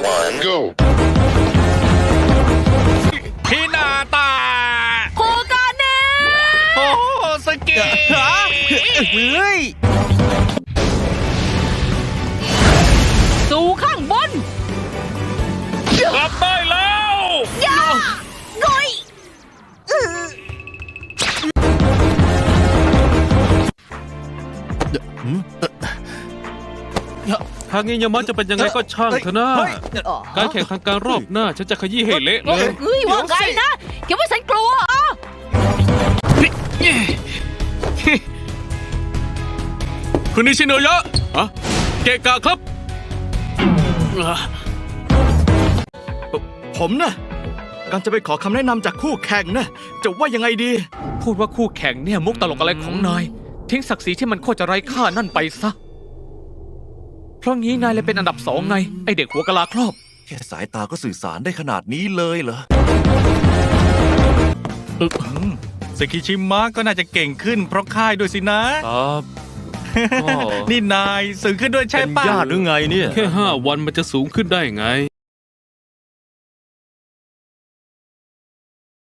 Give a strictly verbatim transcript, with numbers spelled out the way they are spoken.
one, go. พินาตาโคกาเนะโอ้สกีเฮ้ยสู่ข้างบนกลับได้แล้วย่าโงอยทางนี้ยามันจะเป็นยังไงก็ช่างเถอะนะเฮ้ยการแข่งทางการรอบหน้าฉันจะขยี้ให้เละเลยเฮ้ยว่าไงนะคิดว่าฉันกลัวอ่ะคุณนิชิโนยะอะเกะกะครับผมนะการจะไปขอคำแนะนำจากคู่แข่งนะจะว่ายังไงดีพูดว่าคู่แข่งเนี่ยมุกตลกอะไรของนาย ทิ้งศักดิ์ศรีที่มันโคตรจะไร้ค่านั่นไปซะ เพราะงี้นายเลยเป็นอันดับสองไง ไอเด็กหัวกะลาครอบแค่สายตาก็สื่อสารได้ขนาดนี้เลยเหรอสกิชิมะก็น่าจะเก่งขึ้นเพราะค่ายด้วยสินะครับก็นี่นายสูงขึ้นด้วยใช่เป็นปะญาติหรือไงเนี่ยแค่ห้าวันมันจะสูงขึ้นได้ไง